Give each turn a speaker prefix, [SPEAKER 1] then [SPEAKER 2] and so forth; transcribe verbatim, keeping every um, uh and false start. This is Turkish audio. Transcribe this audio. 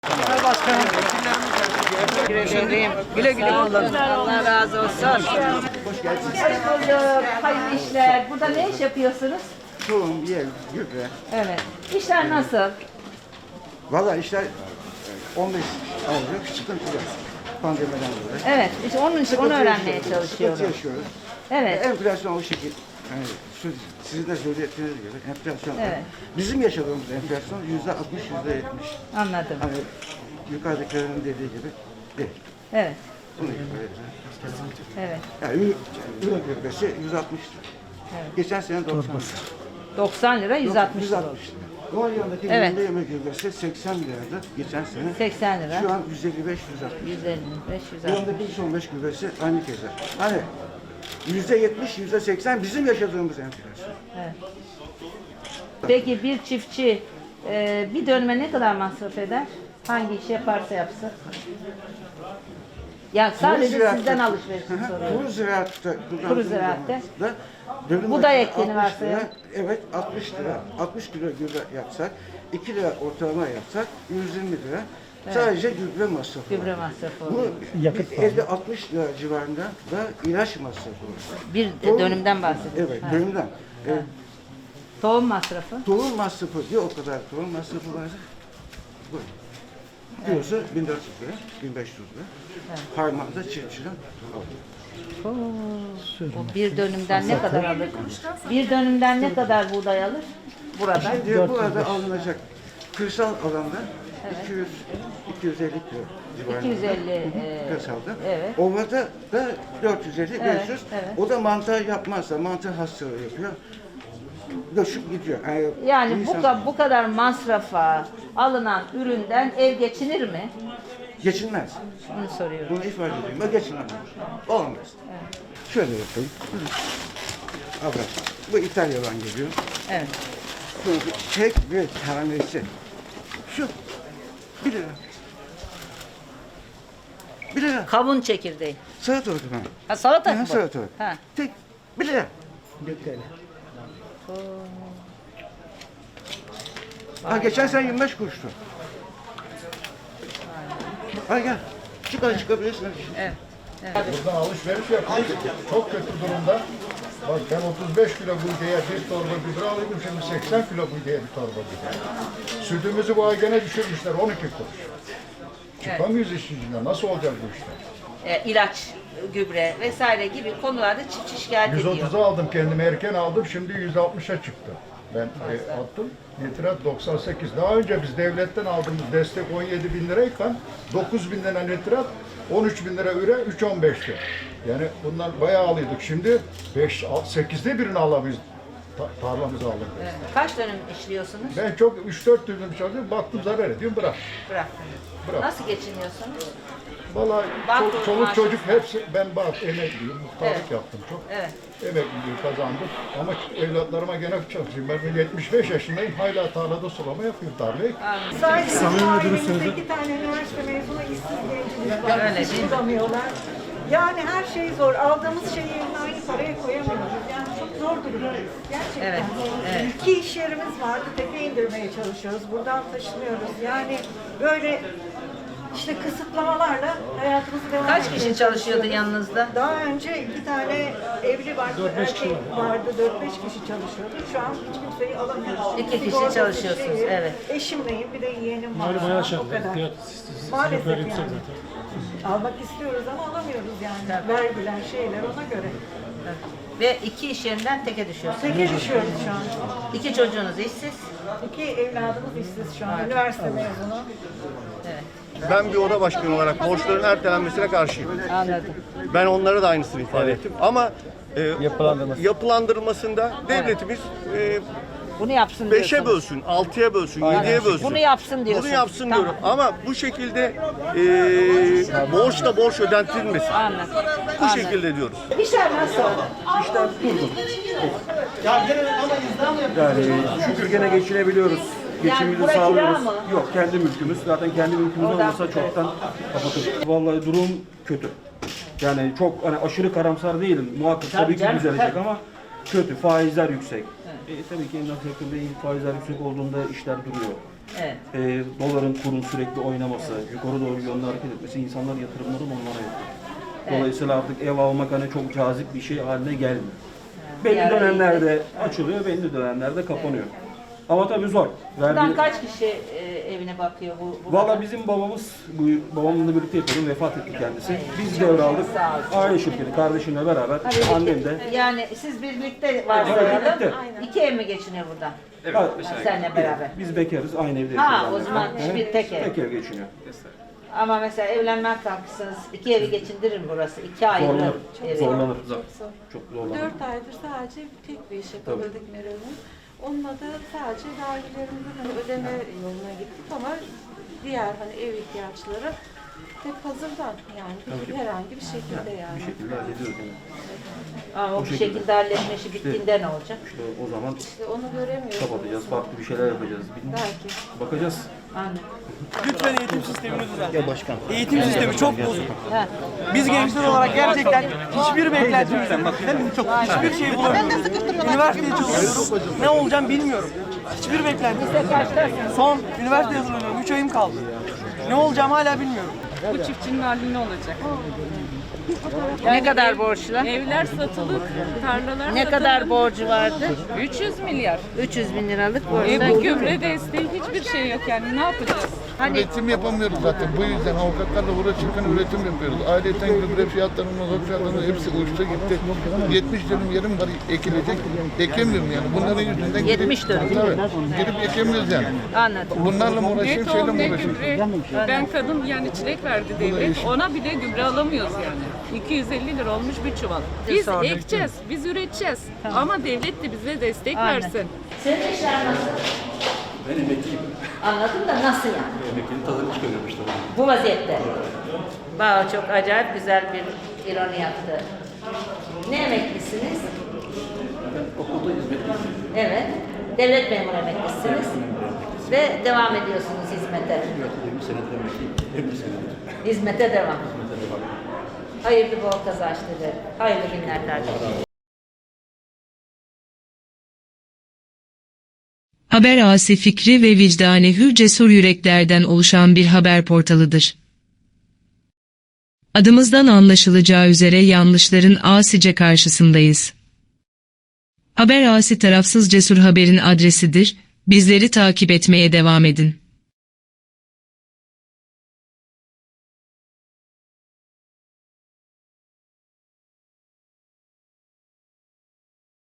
[SPEAKER 1] Başkanım. Güle güle kullanın.
[SPEAKER 2] Allah razı olsun.
[SPEAKER 1] Hoş geldiniz.
[SPEAKER 2] Hoş bulduk. Hayırlı işler. Burada ne iş yapıyorsunuz?
[SPEAKER 1] Tohum, yel, gübre.
[SPEAKER 2] Evet. İşler nasıl?
[SPEAKER 1] Valla işler on beş aylık sıkıntı var. Pandemiden dolayı.
[SPEAKER 2] Evet. İşte onun için onu
[SPEAKER 1] Sıkıntı
[SPEAKER 2] öğrenmeye
[SPEAKER 1] yaşıyoruz,
[SPEAKER 2] çalışıyorum.
[SPEAKER 1] Sıkıntı yaşıyoruz.
[SPEAKER 2] Evet.
[SPEAKER 1] Enflasyon o şekil. Yani şu, sizin de söylediğiniz gibi enflasyon.
[SPEAKER 2] Evet.
[SPEAKER 1] Bizim yaşadığımız enflasyon yüzde altmış, yüzde yetmiş.
[SPEAKER 2] Anladım.
[SPEAKER 1] Hani yukarıdakilerin dediği gibi değil.
[SPEAKER 2] Evet.
[SPEAKER 1] Bunu ifade
[SPEAKER 2] Evet.
[SPEAKER 1] Yani ürün, ürün gübresi yüz altmış lira.
[SPEAKER 2] Evet.
[SPEAKER 1] Geçen sene doksan lira.
[SPEAKER 2] doksan lira yüz altmış
[SPEAKER 1] yüz
[SPEAKER 2] lira.
[SPEAKER 1] altmış lira. Doğal yanındaki
[SPEAKER 2] Evet.
[SPEAKER 1] günde yemek gübresi seksen liraydı geçen sene.
[SPEAKER 2] seksen lira.
[SPEAKER 1] Şu an yüz elli beş, yüz altmış.
[SPEAKER 2] yüz elli beş, yüz altmış.
[SPEAKER 1] Yanındaki yüz on beş gübresi aynı keza. Hani yüzde yetmiş, yüzde seksen bizim yaşadığımız enflasyon.
[SPEAKER 2] Evet. Peki bir çiftçi e, bir dönüme ne kadar masraf eder? Hangi iş yaparsa yapsın? Ya sadece
[SPEAKER 1] Kuru
[SPEAKER 2] sizden
[SPEAKER 1] ziraatta-
[SPEAKER 2] alışverişini
[SPEAKER 1] Hı hı,
[SPEAKER 2] soruyorum.
[SPEAKER 1] Kuru ziraatta
[SPEAKER 2] Kuru ziraatte.
[SPEAKER 1] da dönüm
[SPEAKER 2] Buğday
[SPEAKER 1] başına
[SPEAKER 2] ektiğini
[SPEAKER 1] altmış
[SPEAKER 2] varsayalım.
[SPEAKER 1] lira, evet altmış lira. altmış kilo gübre yapsak, iki lira ortalama yapsak yüz yirmi lira. Sadece gübre masrafı.
[SPEAKER 2] Gübre
[SPEAKER 1] var.
[SPEAKER 2] masrafı
[SPEAKER 1] Bu
[SPEAKER 2] oluyor.
[SPEAKER 1] elli altmış lira civarında da ilaç masrafı var.
[SPEAKER 2] Bir de
[SPEAKER 1] Tohum-
[SPEAKER 2] dönümden bahsediyoruz.
[SPEAKER 1] Evet,
[SPEAKER 2] Ha.
[SPEAKER 1] dönümden. E,
[SPEAKER 2] Tohum masrafı.
[SPEAKER 1] tohum masrafı diyor o kadar tohum masrafı var. Bu. Kilosu bin dört yüz lira, bin beş yüz lira. Harmanda çiftçiden alıyor.
[SPEAKER 2] Oo. O bir dönümden ne kadar alır? Bir dönümden ne kadar buğday alır? Burada.
[SPEAKER 1] Şimdi burada alınacak kırsal alanda iki yüz iki yüz elli kilo civarında.
[SPEAKER 2] iki yüz elli, e,
[SPEAKER 1] kırsalda.
[SPEAKER 2] evet.
[SPEAKER 1] Ovada da dört yüz elli
[SPEAKER 2] Evet,
[SPEAKER 1] beş yüz.
[SPEAKER 2] evet.
[SPEAKER 1] O da mantar yapmazsa mantar hastalığı yapıyor. Göçüp gidiyor. Yani,
[SPEAKER 2] Yani bu,
[SPEAKER 1] insan-
[SPEAKER 2] ka- bu kadar masrafa alınan üründen ev geçinir mi?
[SPEAKER 1] geçinmez.
[SPEAKER 2] Bunu soruyorum.
[SPEAKER 1] Bunu ifade edeyim. Ben geçinemem. Olmaz. Şöyle yapayım. Abla, bu İtalya'dan geliyor.
[SPEAKER 2] Evet.
[SPEAKER 1] Bu tek bir tanesi. Şu. Bir lira. Bir lira.
[SPEAKER 2] Kavun çekirdeği.
[SPEAKER 1] Salatalık ben.
[SPEAKER 2] Ha salata
[SPEAKER 1] Ha,
[SPEAKER 2] mı?
[SPEAKER 1] salatalık.
[SPEAKER 2] Ha.
[SPEAKER 1] Tek. Bir lira. Ha, geçen sene yirmi beş kuruştu. Al gel. Çık al çıkabilirsin.
[SPEAKER 2] Evet.
[SPEAKER 3] Buradan alışveriş yapıyoruz. Çok kötü durumda. Bak ben otuz beş kilo buğdaya bir torba gübre alıyordum. Şimdi seksen kilo buğdaya bir torba gübre. Sütümüzü bu ay gene düşürmüşler on iki kuruş. Çıkamıyoruz işin içinden. Nasıl olacak bu işler?
[SPEAKER 2] E, ilaç, gübre vesaire gibi konularda çiftçi şikayet
[SPEAKER 3] yüz
[SPEAKER 2] ediyor.
[SPEAKER 3] otuza aldım kendimi erken aldım. Şimdi yüz altmışa çıktı. Ben e, attım. Nitrat doksan sekiz. Daha önce biz devletten aldığımız destek on yedi bin lirayken dokuz bin lira nitrat, on üç bin lira üre, üç on beşti. Yani bundan bayağı alıyorduk. Şimdi beş, sekizde birini alamıyoruz. Ta tarlamızı aldık.
[SPEAKER 2] Evet. Kaç dönüm işliyorsunuz?
[SPEAKER 3] Ben çok üç dört dönüm çalışıyorum. Baktım zarar ediyorum. Bırak.
[SPEAKER 2] Bıraktınız.
[SPEAKER 3] Bırak.
[SPEAKER 2] Nasıl geçiniyorsunuz?
[SPEAKER 3] Vallahi
[SPEAKER 2] Bak
[SPEAKER 3] çol-
[SPEAKER 2] bu
[SPEAKER 3] çoluk
[SPEAKER 2] maaş-
[SPEAKER 3] çocuk hepsi, ben bak emekliyim, muhtarlık
[SPEAKER 2] Evet.
[SPEAKER 3] yaptım çok.
[SPEAKER 2] Evet.
[SPEAKER 3] Emekliliği kazandım ama evlatlarıma gene çalışıyorum. Ben yetmiş beş yaşındayım, hala tarlada sulama yapıyorum tarlayı.
[SPEAKER 4] Sadece ailemizde iki tane üniversite mezunu işsiz gencimiz var.
[SPEAKER 2] Öyle
[SPEAKER 4] Hiç
[SPEAKER 2] değil mi?
[SPEAKER 4] bulamıyorlar. Yani her şey zor. Aldığımız şeyi yerine aynı paraya koyamıyoruz. Yani çok zor durumdayız. Gerçekten.
[SPEAKER 2] Evet, evet.
[SPEAKER 4] İki iş yerimiz vardı. Tepe indirmeye çalışıyoruz. Buradan taşınıyoruz. Yani böyle işte kısıtlamalarla hayatımızı devam
[SPEAKER 2] Kaç
[SPEAKER 4] etmeye
[SPEAKER 2] kişi çalışıyordu
[SPEAKER 4] çalışıyoruz.
[SPEAKER 2] yanınızda?
[SPEAKER 4] Daha önce iki tane evli vardı, erkek vardı, dört beş kişi çalışıyordu. Şu an hiç kimseyi alamıyoruz.
[SPEAKER 2] İki kişi
[SPEAKER 4] Sigortası
[SPEAKER 2] çalışıyorsunuz,
[SPEAKER 4] şeyi,
[SPEAKER 2] evet.
[SPEAKER 4] Eşimleyim, bir de yeğenim var.
[SPEAKER 5] Malum bayağı
[SPEAKER 4] O
[SPEAKER 5] şart.
[SPEAKER 4] kadar.
[SPEAKER 5] Fiyat
[SPEAKER 4] Maalesef
[SPEAKER 5] böyle
[SPEAKER 4] yani.
[SPEAKER 5] yüksek zaten.
[SPEAKER 4] Almak istiyoruz ama alamıyoruz yani. Vergiler, şeyler ona göre.
[SPEAKER 2] Evet. Ve iki iş yerinden teke düşüyorsunuz.
[SPEAKER 4] Teke düşüyoruz şu an.
[SPEAKER 2] İki çocuğunuz işsiz.
[SPEAKER 4] İki evladımız işsiz şu an. Üniversite mezunu.
[SPEAKER 2] Evet.
[SPEAKER 6] Ben bir oda başkanı olarak borçların ertelenmesine karşıyım.
[SPEAKER 2] Anladım.
[SPEAKER 6] Ben onlara da aynısını ifade ettim. Ama e, yapılandırılmasında devletimiz e,
[SPEAKER 2] Bunu yapsın
[SPEAKER 6] beşe
[SPEAKER 2] diyorsunuz.
[SPEAKER 6] bölsün, altıya bölsün, yediye bölsün.
[SPEAKER 2] Bunu yapsın diyorsun.
[SPEAKER 6] Bunu yapsın
[SPEAKER 2] Tamam.
[SPEAKER 6] diyorum. Ama bu şekilde e, borç da borç ödentilmesin.
[SPEAKER 2] Anladım.
[SPEAKER 6] Bu
[SPEAKER 2] Anladım.
[SPEAKER 6] şekilde diyoruz.
[SPEAKER 2] İşler nasıl?
[SPEAKER 7] Yani şükür gene geçinebiliyoruz. Geçimimizi
[SPEAKER 2] bura kira
[SPEAKER 7] sağlıyoruz.
[SPEAKER 2] mı?
[SPEAKER 7] Yok kendi mülkümüz. Zaten kendi mülkümüz
[SPEAKER 2] Oradan-
[SPEAKER 7] olmasa çoktan kapatırdık. Vallahi durum kötü. Yani çok hani aşırı karamsar değilim. Muhakkak
[SPEAKER 2] Tabii
[SPEAKER 7] tabii ki
[SPEAKER 2] canım,
[SPEAKER 7] düzelecek
[SPEAKER 2] tabii.
[SPEAKER 7] ama kötü. Faizler yüksek. E, tabii ki emlak sektöründe faizler yüksek olduğunda işler duruyor.
[SPEAKER 2] Evet.
[SPEAKER 7] E, doların kurun sürekli oynaması, yukarı doğru yönlü hareket etmesi insanlar yatırımlarını onlara yapıyor. Dolayısıyla artık ev almak hani çok cazip bir şey haline gelmiyor. Belli
[SPEAKER 2] Bir ara
[SPEAKER 7] dönemlerde açılıyor, belli dönemlerde kapanıyor. Ama tabii zor.
[SPEAKER 2] Buradan
[SPEAKER 7] Verdiği-
[SPEAKER 2] kaç kişi e, evine bakıyor bu? burada?
[SPEAKER 7] Valla bizim babamız, bu babamla birlikte yapıyordum, vefat etti kendisi. Biz
[SPEAKER 2] Çok
[SPEAKER 7] devraldık.
[SPEAKER 2] sağ olsun.
[SPEAKER 7] Aile şirketi, kardeşimle beraber,
[SPEAKER 2] Ha, birlikte-
[SPEAKER 7] annem de.
[SPEAKER 2] Yani siz birlikte varsayalım.
[SPEAKER 7] birlikte.
[SPEAKER 2] İki ev mi geçiniyor burada?
[SPEAKER 7] Ha,
[SPEAKER 2] Seninle beraber.
[SPEAKER 7] Biz bekarız, aynı evde
[SPEAKER 2] Ha,
[SPEAKER 7] yaşıyoruz.
[SPEAKER 2] o
[SPEAKER 7] annemle.
[SPEAKER 2] zaman
[SPEAKER 7] Hı hı.
[SPEAKER 2] bir tek ev.
[SPEAKER 7] Tek ev geçiniyor.
[SPEAKER 2] Ama mesela evlenmek kalkırsanız iki evi geçindirir mi burası? İki ayrı
[SPEAKER 7] Zorlanır.
[SPEAKER 2] ev.
[SPEAKER 7] Zorlanır. Çok zorlanır.
[SPEAKER 5] Dört aydır sadece tek bir iş yapabildik Meral Hanım. Onunla da sadece vergilerimizin hani ödeme yoluna gittik ama diğer hani ev ihtiyaçları hep hazırdan yani bir- herhangi bir şekilde yani.
[SPEAKER 7] Bir şekilde hallediyoruz yani.
[SPEAKER 2] Ama o
[SPEAKER 7] Bu
[SPEAKER 2] bir
[SPEAKER 7] şekilde.
[SPEAKER 2] şekilde halletme işi bittiğinde ne olacak?
[SPEAKER 7] İşte o zaman
[SPEAKER 5] İşte onu göremiyoruz.
[SPEAKER 7] kapatacağız, farklı bir şeyler yapacağız. Bilmiyorum.
[SPEAKER 5] Belki.
[SPEAKER 7] Bakacağız.
[SPEAKER 2] Anne.
[SPEAKER 8] Lütfen eğitim sistemini düzelt. Ya başkan. Eğitim sistemi çok bozuk.
[SPEAKER 2] Ha.
[SPEAKER 8] Biz gençler olarak gerçekten hiçbir beklentimiz yok. Hiçbir şey bulamıyoruz. Üniversiteye çalışıyorum. Ne olacağım bilmiyorum. Hiçbir beklentim yok. Son üniversite hazırlanıyorum. üç ayım kaldı. Ne olacağım hala bilmiyorum.
[SPEAKER 9] Bu çiftçinin hali ne olacak?
[SPEAKER 2] Ne kadar borçlu?
[SPEAKER 9] Evler satılık, tarlalar
[SPEAKER 2] Ne
[SPEAKER 9] satılık.
[SPEAKER 2] kadar borcu vardı?
[SPEAKER 9] üç yüz milyar.
[SPEAKER 2] üç yüz bin liralık
[SPEAKER 9] E
[SPEAKER 2] borcu.
[SPEAKER 9] bu gübre desteği hiçbir şey yok yani ne yapacağız?
[SPEAKER 2] Hani
[SPEAKER 10] Üretim yapamıyoruz zaten. Bu yüzden avukatlarla uğraşırken üretim yapıyoruz. Ayrıca gübre fiyatlarının, mazot fiyatlarının hepsi uçtu gitti. yetmiş dönüm yerim var ekilecek. Ekemiyorum yani. Bunların yüzünden girip,
[SPEAKER 2] yetmiş dönüm.
[SPEAKER 10] Tabii. Girip ekemiyoruz yani.
[SPEAKER 2] anladım.
[SPEAKER 10] Bunlarla mı
[SPEAKER 9] Ne
[SPEAKER 10] uğraşayım, şeyle
[SPEAKER 9] tohum
[SPEAKER 10] mi
[SPEAKER 9] ne
[SPEAKER 10] uğraşayım?
[SPEAKER 9] gübre. Ben kadın yani çilek verdi devlet. Ona bile gübre alamıyoruz yani. iki yüz elli lira olmuş bir çuval. Biz ekeceğiz, biz üreteceğiz. Ama devlet de bize destek
[SPEAKER 2] Aynen.
[SPEAKER 9] versin.
[SPEAKER 2] Senin işler nasıl?
[SPEAKER 7] Ben emekliyim.
[SPEAKER 2] Anladım da nasıl yani?
[SPEAKER 7] Emeklinin tadını çıkarıyorum işte.
[SPEAKER 2] Bu vaziyette. Bağ çok acayip güzel bir ironi yaptı. Ne emeklisiniz?
[SPEAKER 7] Okulda hizmetliyim.
[SPEAKER 2] Evet. Devlet memuru emeklisiniz. Ve devam ediyorsunuz hizmete.
[SPEAKER 7] yirmi senedir emekliyim. yirmi senedir.
[SPEAKER 2] Hizmete devam. Hayırlı bol kazançları. Hayırlı günler kardeşim.
[SPEAKER 11] Haber Asi fikri ve vicdani hür cesur yüreklerden oluşan bir haber portalıdır. Adımızdan anlaşılacağı üzere yanlışların asice karşısındayız. Haber Asi tarafsız cesur haberin adresidir, bizleri takip etmeye devam edin.